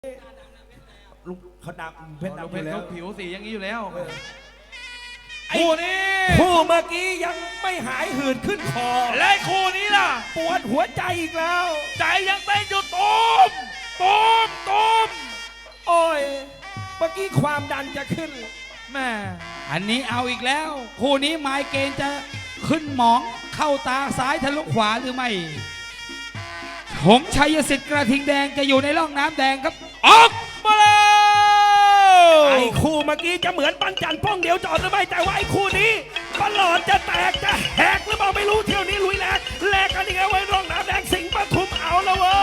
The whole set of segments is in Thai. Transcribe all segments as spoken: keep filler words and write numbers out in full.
ลูกเขาดำเพชรดำเพไปชรแล้วเขาผิวสีอย่างนี้อยู่แล้วไอ้คู่นี้คู่เมื่อกี้ยังไม่หายหืดขึ้นคอและคู่นี้ล่ะปวดหัวใจอีกแล้วใจยังเต้นอยู่ตูมตูมตูมโอ้ยเมื่อกี้ความดันจะขึ้นแม่อันนี้เอาอีกแล้ว คู่นี้ไมเกรนจะขึ้นหมองเข้าตาซ้ายทะลุขวาหรือไม่หงส์ชัยสิทธิ์กระทิงแดงจะอยู่ในร่องน้ำแดงครับออกมาแล้วไอ้คู่เมื่อกี้จะเหมือนปั้นจันป้องเดียวจอดหรือไม่แต่ว่าไอ้คู่นี้ปลอดจะแตกจะแหกหรือเปล่าไม่รู้เที่ยวนี้ลุยแหลกแหลกกันอีกแล้วไว้ร่องน้ำแดงสิงห์ปทุมเอาแล้วเว้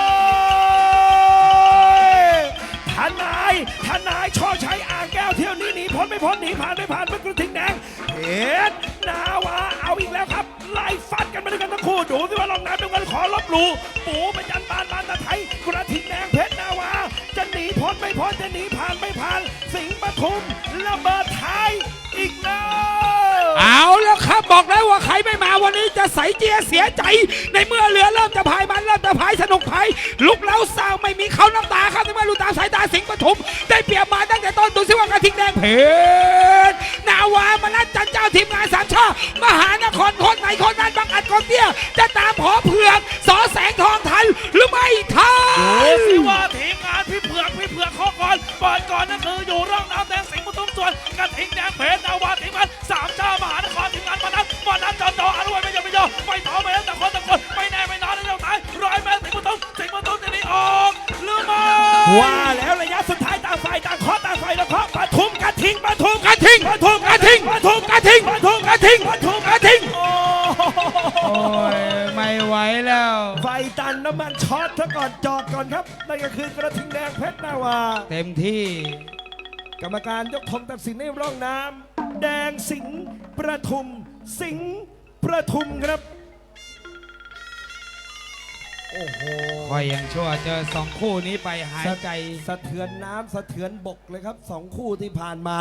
ยทนายทนายช่อชัยอ่างแก้วเที่ยวนี้หนีพ้นไม่พ้นหนีผ่านไม่ผ่านเป็นกระทิงแดงเอ็ดนาวาเอาอีกแล้วครับไล่ฟัดกันมาด้วยกันทั้งคู่ดูสิว่าร่องน้ำเป็นกันขอลบหลู่ปูประจันบานบานตะไทยกระทิงแดงเพชรนาวาจะหนีพ้นไม่พ้นจะหนีผ่านไม่ผ่านสิงห์ปทุมระเบิดไทยอีกแล้วเอาแล้วครับบอกแล้วว่าใครไม่มาวันนี้จะใส่เจียเสียใจ ในเมื่อเรือเริ่มจะพายมันเริ่มจะพายสนุกพายลุกแล้วสาวไม่มีเขาน้ำตาครับในเมื่อลูกตาสายตาสิงห์ปทุมได้เปรียบมาตั้งแต่ต้นดูสิว่ากระทิงแดงเพชรนาวามานัดจันเจ้าทีมงานสามช่อมหานครคนไหนคนนั้นบางอัดคนเตี้ยจะตามหอเผือกสอแสงทองทันหรือไม่ทันดูสิว่าทีมงานพี่เผือกพี่เผือกข้อก่อนเปิดก่อนนั่นคืออยู่ร่องน้ำแดงสิงห์ปทุมส่วนกระทิงแดงเพชรนาวาทีมงานสามชาติมหานครทีมงานมานัดมานัดจอจออนุวัยไม่ยอมไม่ยอมไม่ต่อไม่แล้วแต่คนแต่คนไม่แน่ไม่นอนในเรื่องท้ายร้อยเมตรสิงห์ปทุมสิงห์ปทุมจะหนีออกหรือไม่ว่าแล้วระยะสุดท้ายต่างฝ่ายต่างเคาะต่างฝ่ายต่างเคาะปทุมกระทิงปทุมกระทิงปทุมกระทิงปทุมกระทิงปทุมกระทิงปทุมกระทิงโอ้โอ้ยไม่ไหวแล้วไฟตันน้ำมันช็อตซะก่อนจอดก่อนครับนั่นก็คือกระทิงแดงเพชรนาวาเต็มที่กรรมการยกธงตัดสินในร่องน้ำแดงสิงห์ประทุม สิงห์ประทุมครับโอ้โหคอยยังชั่วเจอสองคู่นี้ไปหายใจสะเทือนน้ำสะเทือนบกเลยครับสองคู่ที่ผ่านมา